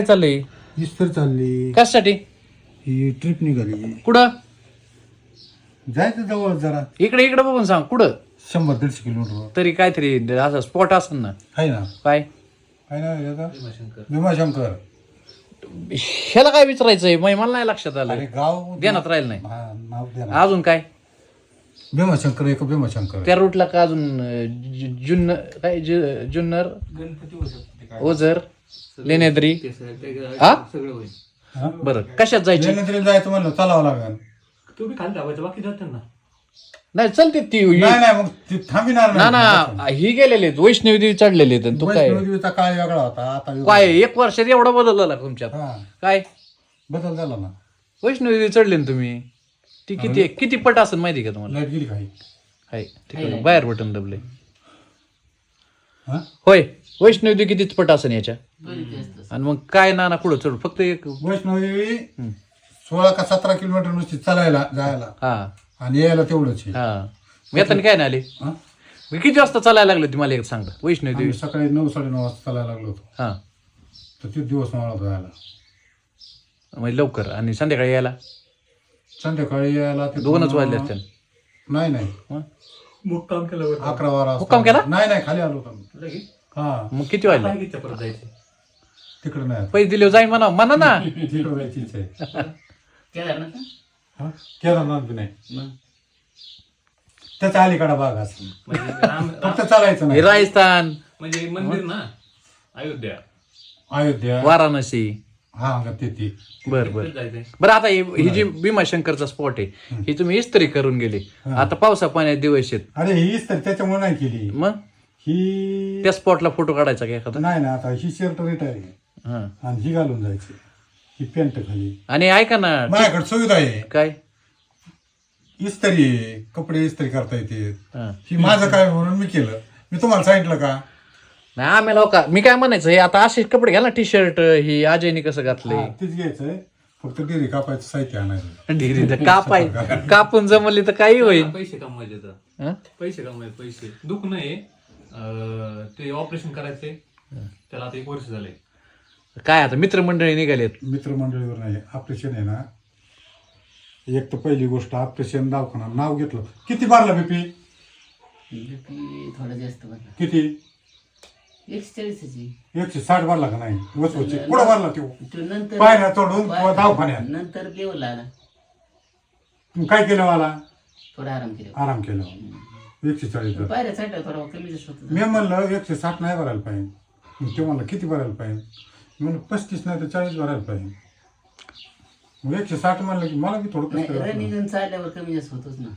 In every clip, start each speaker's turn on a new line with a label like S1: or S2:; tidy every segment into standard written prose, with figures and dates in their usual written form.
S1: चाललंय
S2: इस्तर चालली
S1: कशासाठी
S2: ही ट्रिप निघाली
S1: कुठं
S2: जायचं जवळ जरा
S1: इकडे इकडे बघून सांग कुठं
S2: 100-150 किलोमीटर
S1: तरी काहीतरी असं स्पॉट असेल ना
S2: आहे ना
S1: काय
S2: काय ना याचा भीमाशंकर
S1: ह्याला काय विचारायचंय मला नाही लक्षात
S2: अरे
S1: आलं
S2: गाव
S1: ध्यानात राहील नाही
S2: हा, नाव द्या ना.
S1: अजून काय
S2: भीमाशंकर एक भीमाशंकर
S1: त्या रूटला का अजून जुन्नर काय जुन्नर ओझर लेण्याद्री हा
S2: हा?
S1: बरं कशात जायची
S2: लेण्याद्रीला जायचं म्हणलं चालावं लागेल
S3: तुम्ही खाली धावायचं बाकी जातात ना
S1: नाही चलते ती
S2: नाही नाही मग ती थांबिणार
S1: ना ना ही गेलेले वैष्णवी देवी चढलेले आहेत. तू काय
S2: वैष्णोदेवीचा काळ वेगळा होता आता वेगळा.
S1: काय एक वर्षात एवढा बदलला तुमच्यात
S2: हा
S1: काय
S2: बदल झाला ना
S1: वैष्णवी देवी चढले ना तुम्ही ती किती किती पट असेल माहिती का तुम्हाला
S2: लाईट गेली काही
S1: हाय तिकडे बाहेर बटन दबले
S2: हा
S1: होय वैष्णवी देवी कितीच पट असेल याच्या आणि मग काय नाना कुठं चढ फक्त एक
S2: वैष्णोदेवी 16 का 17 किलोमीटर नुसती चालायला जायला
S1: हा
S2: आणि यायला तेवढंच आहे.
S1: हा मी आता काय नाही आले
S2: हा?
S1: मी किती वाजता चालायला लागले तुम्हाला एक सांगा वैष्णवी देवी
S2: आम्ही सकाळी 9-9:30 वाजता चालायला लागलो होतो
S1: हा
S2: तर ते दिवस मला जायला
S1: म्हणजे लवकर आणि संध्याकाळी यायला
S2: संध्याकाळी यायला ते
S1: 2च वाजले असतील
S2: नाही नाही
S1: मग
S3: मुक्काम केल्यावर
S2: 11-12
S1: मुक्काम केला?
S2: नाही खाली आलो होतो मी.
S3: लगेच
S2: हा
S1: मग किती वाजले
S3: काय परत जायचं
S2: तिकडे नाही
S1: पैसे दिले जाईन म्हणा ना
S2: तिकडे जायची इच्छा आहे
S4: केदारनाथ
S2: हा? केदारनाथ बी नाही
S4: मग
S2: त्याच्या अलीकडा भाग असतो
S3: म्हणजे
S2: फक्त चालायचं
S1: हे
S2: नाही
S1: राजस्थान
S3: म्हणजे मंदिर ना अयोध्या
S2: अयोध्या
S1: वाराणसी
S2: हा का ते
S1: बर बर
S3: तिकडे जायचंय
S1: बरं आता ही जी भीमाशंकरचा स्पॉट आहे ही तुम्ही इस्त्री करून गेली आता पावसा पाण्यात दिवस आहेत
S2: अरे हीच तर त्याच्यामुळे नाही केली
S1: मग
S2: ही
S1: त्या स्पॉटला फोटो काढायचा का एखादा
S2: नाही ना आता ही शर्ट रिटायर आहे
S1: हा
S2: आणि ही घालून जायची ही पॅन्ट खाली
S1: आणि ऐका ना
S2: माझ्याकडे सुविधा आहे
S1: काय
S2: इस्त्री आहे कपडे इस्त्री करता येते
S1: हा.
S2: ही माझं काय म्हणून मी केलं मी तुम्हाला सांगितलं का
S1: नाही आम्हाला हो का मी काय म्हणायचं हे आता असे कपडे घ्या ना टी शर्ट ही अजयने कसं घातलंय
S2: हा, तीच घ्यायचंय फक्त डेरी कापायचं साहित्य आणायचं
S1: डिग्री तर कापाय कापून जमली तर काही होईल
S3: पैसे कमवायचे तर
S1: हा?
S3: पैसे कमवायचे पैसे दुःख नाही ते ऑपरेशन करायचंय त्याला आता 1 वर्ष झालंय
S1: काय आता मित्रमंडळी निघालेत
S2: मित्रमंडळीवर नाही ऑपरेशन आहे ना एक तर पहिली गोष्ट ऑपरेशन दवाखाना नाव घेतलं किती भरला बीपी
S4: बीपी थोडं जास्त भरला
S2: किती
S4: 140ची
S2: 160 भरला का नाही वसवची पुढं भरला तो
S4: तो नंतर
S2: पायऱ्या चढून दवाखान्यात
S4: नंतर लेवल आला
S2: तुम्ही काय केलं मला
S4: थोडा आराम केला
S2: आराम केला 140 वर.
S4: पायऱ्या चढला थोडा कमी जास्त होत
S2: मी म्हणलं 160 नाही भरायला पाहिजे मग ते म्हणलं किती भरायला पाहिजे मी म्हणलं 35 नाही तर 40 भरायला पाहिजे मग 160 म्हणलं की मला बी थोडं कष्ट
S4: नाही
S2: करावं.
S4: रनिंग चालल्यावर कमी जास्त होतोच ना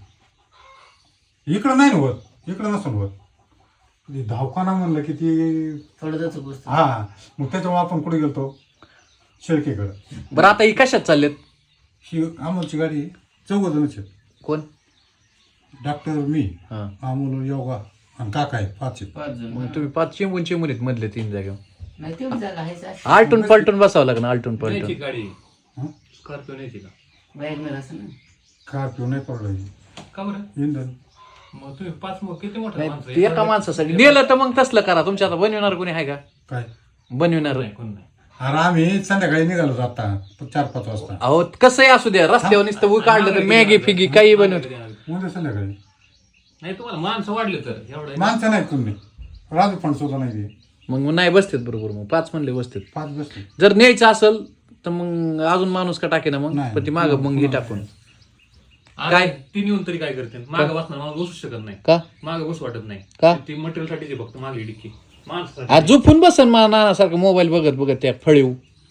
S2: इकडं नाही होत इकडं नसून होत ते दवाखाना म्हणलं की ती
S4: थोडं जातो गोष्ट
S2: हा मग त्याच्यामुळे आपण कुठे गेलतो शेळकेकडं
S1: बरं आता ही कशात चाललेत
S2: ही अमोलची गाडी 14 जणच आहेत
S1: कोण
S2: डॉक्टर मी
S1: हा
S2: अमोल योगा आणि काका आहेत 5 आहेत
S4: 5 जण
S1: मग तुम्ही 5 चिंबून चिंबून मधले 3 जागा
S4: नाही तेवढी जागा आहे
S1: आलटून पलटून बसावं लागणार आलटून
S3: न्यायची
S1: पलटून
S3: गाडी
S2: हं?
S3: स्कॉर्पिओ न्यायची का
S4: वॅगनर असं ना
S2: का पिऊ नाही पडलं
S3: का बरं
S2: इंधन
S3: मग तुम्ही 5 किती मोठं
S1: नाही
S3: माणसं
S1: ते एका माणसासाठी नेलं तर मग तसलं करा तुमच्या आता बनविणार कोणी आहे का
S2: काय
S1: बनविणार
S3: नाही कोण नाही
S2: अरे आम्ही संध्याकाळी निघालो आता 4-5 वाजता
S1: अहो कसंही असू द्या रस्त्यावर नुसतं ऊस काढलं तर मॅगी फिगी काही बनवत
S2: उद्या संध्याकाळी
S3: नाही तुम्हाला माणसं वाढले तर एवढं
S2: माणसं नाहीत तुम्ही राजू पण सुद्धा नाही ते.
S1: मग नाही बसतेत बरोबर मग 5 म्हणले बसतेत
S2: 5 बसले
S1: जर न्यायचं असेल तर मग अजून माणूस का टाके ना मग
S2: नाही.
S1: पण ती माग मग हे टाकून
S3: काय
S1: काय?
S3: ती नेऊन तरी काय करते मागं बसणार मला बसू शकत नाही
S1: का
S3: मागं बसू वाटत नाही
S1: का?
S3: ती मटेरियल साठीची फक्त मागे डिक्की माणसासाठी
S1: आज झोपून बसन मा नानासारखं मोबाईल बघत बघत त्या फळीव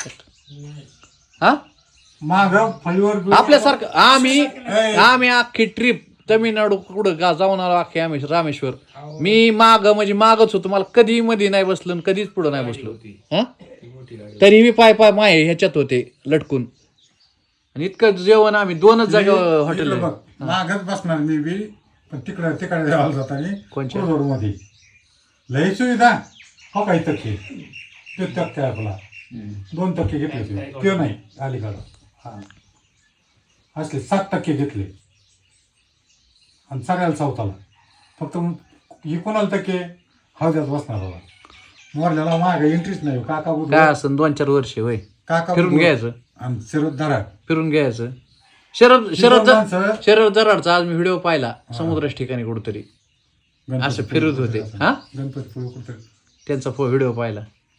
S1: हा
S2: माग फळीवर
S1: आपल्यासारखं आम्ही अख्खी ट्रिप तमिळनाडू कुठं जाऊन आलो अख्खे आम्ही रामेश्वर मी म्हणजे मागच होतो मला कधी मध्ये नाही बसलो आणि कधीच पुढं नाही बसलो हा
S3: ती मोठी गाडी
S1: तरी मी पाय माय ह्याच्यात होते लटकून आणि इतकं जेवण आम्ही 2च जागा हॉटेल
S2: मागच बसणार मी बी पण तिकडे जायला जाताना
S1: कोणच्या?
S2: मध्ये लई सुविधा हो काही टक्के ते टक्के आपला 2 टक्के घेतले ते नाही अलीकडं हा असले 7% घेतले आणि सगळ्याला 4 फक्त ही कोणाला टक्के हौद्यात बसणार होता मोरल्याला मागे एंट्रीच नाही काका
S1: काय
S2: बुधवार
S1: असं 2-4 वर्ष होय
S2: काका
S1: फिरून
S2: बुधवार
S1: घ्यायचं
S2: आणि शरद दराड
S1: फिरून घ्यायचं शरद
S2: दोन माणसं
S1: शरद जराडचा आज मी व्हिडिओ पाहिला समुद्राच्या ठिकाणी कुठतरी असं फिरत होते हा
S2: गणपतीपुळे कुठं
S1: त्यांचा व्हिडिओ पाहिला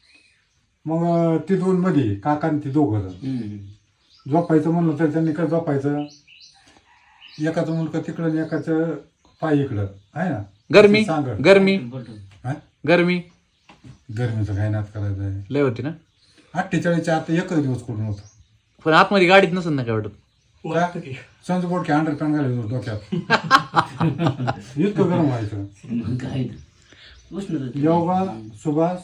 S2: मग ती दोन मध्ये काका आणि ती दोघं जण झोपायचं म्हणलं तर त्यांनी काय झोपायचं एकाचं मुलगा तिकडं आणि एकाचं पाय इकडं आहे ना
S1: गरमी
S2: सांग
S1: गरमी
S2: हा?
S1: गरमी
S2: गरमीचं काय नात करायचं आहे
S1: लय होती ना
S2: 48च्या आता एकच दिवस कुठून होतं
S1: पण आतमध्ये गाडीत नसेल ना काय वाटत
S3: वाटतं की
S2: संज बोडके अंडरपॅन्ट घालायचं होतं डोक्यात इतकं गरम व्हायचं
S4: मग काय उष्णता
S2: योगा सुभाष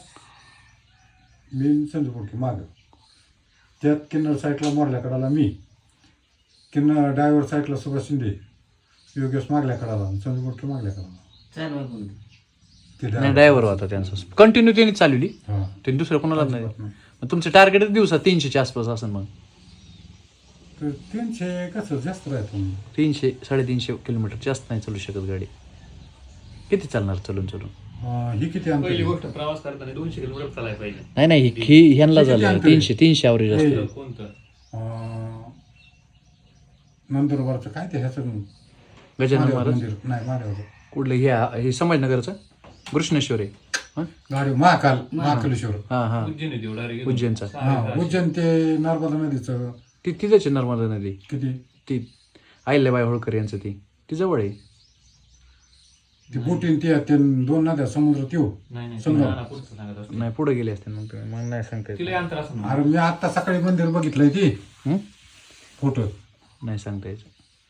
S2: मी संज बोडके मागं त्यात किन्नर साईडला मोरल्याकडाला मी किन्नर ड्रायव्हर साईडला सुभाष शिंदे योगेश मागल्या कडाला संज बोडके मागल्या कडाला
S4: चार वाजून
S2: ते
S1: नाही
S2: driver.
S1: ड्रायव्हर होता त्यांचा कंटिन्यू त्यांनी चालवली
S2: हा.
S1: त्यांनी दुसऱ्या कोणालाच नाही मग तुमचं टार्गेट दिवसात 300च्या आसपास असेल मग
S2: तर 300 कसं जास्त राहतो
S1: 300-350 किलोमीटर जास्त नाही चालू शकत गाडी किती चालणार चलून
S2: ही किती
S3: पहिली
S2: अंतर
S3: गोष्ट प्रवास करताना 200 किलोमीटर चालायला पाहिजे.
S1: नाही ही ह्यांना
S2: किती
S1: झालं
S2: अंतर आहे?
S1: 300 ॲव्हरेज असते
S2: हे.
S3: कोणतं
S2: नंदुरबारचं काय ते ह्याचं
S1: गजानन
S2: महादेव
S1: महाराज
S2: मंदिर नाही महादेव
S1: कुठलं हे संभाजीनगरचं कृष्णेश्वर आहे हं?
S2: गाडी महाकालेश्वर
S1: हा हा
S3: उज्जैन आहे तेवढा रे.
S1: उज्जैनचा
S2: हा उज्जैन ते नर्मदा नदीचं
S1: तिथंच आहे नर्मदा नदी
S2: किती
S1: ती अहिल्याबाई होळकर यांचं ती जवळ आहे
S2: ती बोटीन ते दोन नद्या समुद्र त्यो
S3: नाही
S2: समजा.
S3: नाही पुढचं सांगत असतो.
S1: नाही पुढे गेले असते मग तुम्ही मला नाही सांगता येत.
S3: तिला अंतर असं ना.
S2: अरे मी आता सकाळी मंदिर बघितलंय ती
S1: हं?
S2: फोटो
S1: नाही सांगता यायचं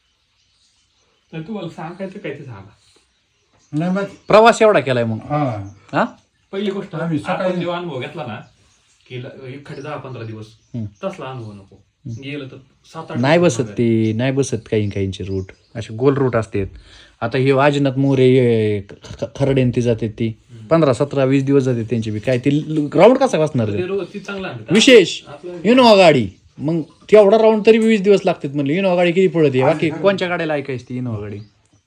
S3: तर तुम्हाला सांगायचं काय ते सांगा.
S2: नाही मग
S1: प्रवास एवढा केलाय मग
S2: हा
S1: हा
S3: पहिली गोष्ट
S2: आम्ही सकाळी-
S3: आपण जेव्हा अनुभव घेतला ना की एखादे 10-15 दिवस
S1: हं.
S3: तसला अनुभव नको गेलं तर 7-8
S1: नाही बसत ती नाही बसत काहींचे रूट असे गोल रूट असतात आता हे आजनाथ मोरे खरडेन ती जाते ती 15-17-20 दिवस जाते त्यांची बी काय ती राऊंड कसा बसणार रे?
S3: ते रोज ती चांगला आहे.
S1: विशेष
S3: आपलं-
S1: इनोवा गाडी मग तेवढा राऊंड तरी 20 दिवस लागतात म्हणले इनोवा गाडी किती पडते बाकी कोणत्या गाड्याला ऐकायची ती इनोवा गाडी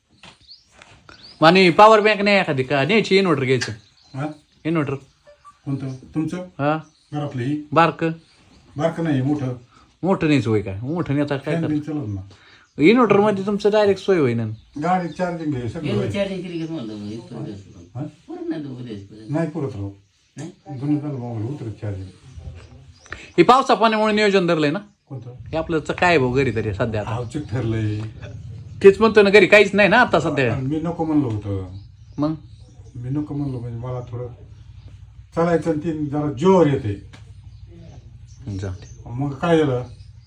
S1: आणि पॉवर बँक नाही एखादी का न्यायची इन्व्हर्टर घ्यायचं
S2: हा?
S1: इन्व्हर्टर
S2: कोणतं तुमचं
S1: हा
S2: घरातलं ही
S1: बारक
S2: बारकं नाही मोठं
S1: मोठं नाहीच होय काय मोठं नाही आता काय
S2: फॅन
S1: कर
S2: बिन चालत ना
S1: इन्व्हर्टर मध्ये तुमचं डायरेक्ट सोय होईन
S2: गाडी चार्जिंग घे सगळं होईल.
S4: चार्जिंग केली का तुम्हाला
S2: हा?
S4: पूर्ण नाही दोघं द्यायचं
S2: नाही पुरत राहू
S4: नाही
S2: दोन्ही चालू मोबाईल उतरत चार्जिंग
S1: हे पावसा पाण्यामुळे नियोजन धरलंय ना
S2: कोणतं
S1: हे आपलं काय आहे भाऊ घरी तरी सध्या आता
S2: आवचिक ठरलंय
S1: तेच म्हणतो ना घरी काहीच नाही ना आता सध्या
S2: आणि मी नको म्हणलं होतं
S1: मग
S2: मी नको म्हणलो म्हणजे मला थोडं चालायचं आणि ती जरा जोर येते
S1: जाऊ दे.
S2: मग काय झालं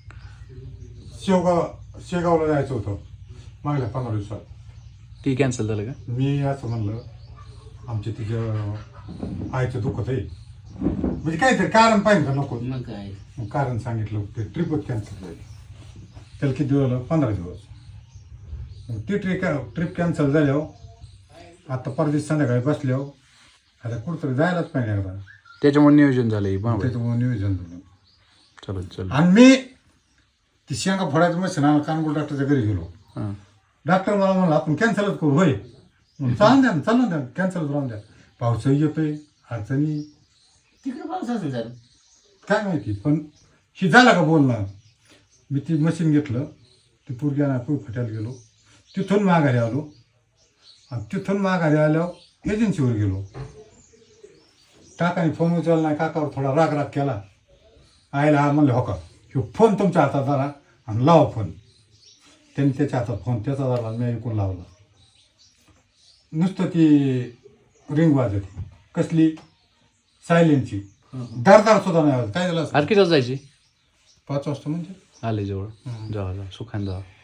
S2: शेगावला जायचं होतं मागल्या 15 दिवसात
S1: ती कॅन्सल झालं का
S2: मी असं म्हणलं आमच्या तिच्या आईचं दुखत आहे म्हणजे काहीतरी कारण पाहिजे का नको
S4: मग काय
S2: मग कारण सांगितलं ते ट्रिपच कॅन्सल झाली त्याला किती दिवस झालं 15 दिवस मग ती ट्रिप कॅन्सल झाल्यावर आता परदेश संध्याकाळी बसल्यावर आता कुठंतरी जायलाच पाहिजे एकदा
S1: त्याच्यामुळे नियोजन झालं हे बाबा
S2: त्याच्यामुळे नियोजन झालं
S1: चलो चलो
S2: आणि मी ती शेंगा फोडायचं मशीन आला कानगोल डॉक्टरच्या घरी गेलो
S1: हां
S2: डॉक्टर मला म्हणलं आपण कॅन्सलच करू होय चालून द्या चालून द्या कॅन्सलच राहून द्या पावसाही येतोय अडचणी
S4: तिकडे पाऊस असेल सर
S2: काय माहिती पण ही झाला का बोलणं मी ती मशीन घेतलं ती पुरग्याना फट्याला गेलो तिथून माघारी आलो आणि तिथून माघारी आल्यावर एजन्सीवर गेलो काकाने फोन उचलला नाही काकावर थोडा राग केला आईला हा म्हणलं हो का ह्यो फोन तुमच्या हातात धरा आणि लावा फोन त्यांनी त्याच्या हातात फोन त्याचा धरला मी ऐकून लावला नुसतं ती रिंग वाजत कसली सायलेंटची दारदार सुद्धा नाही आवाज काय झालं
S1: आज किती वाजता जायची
S2: 5 वाजता म्हणजे
S1: आले जवळ जावा सुखान जावा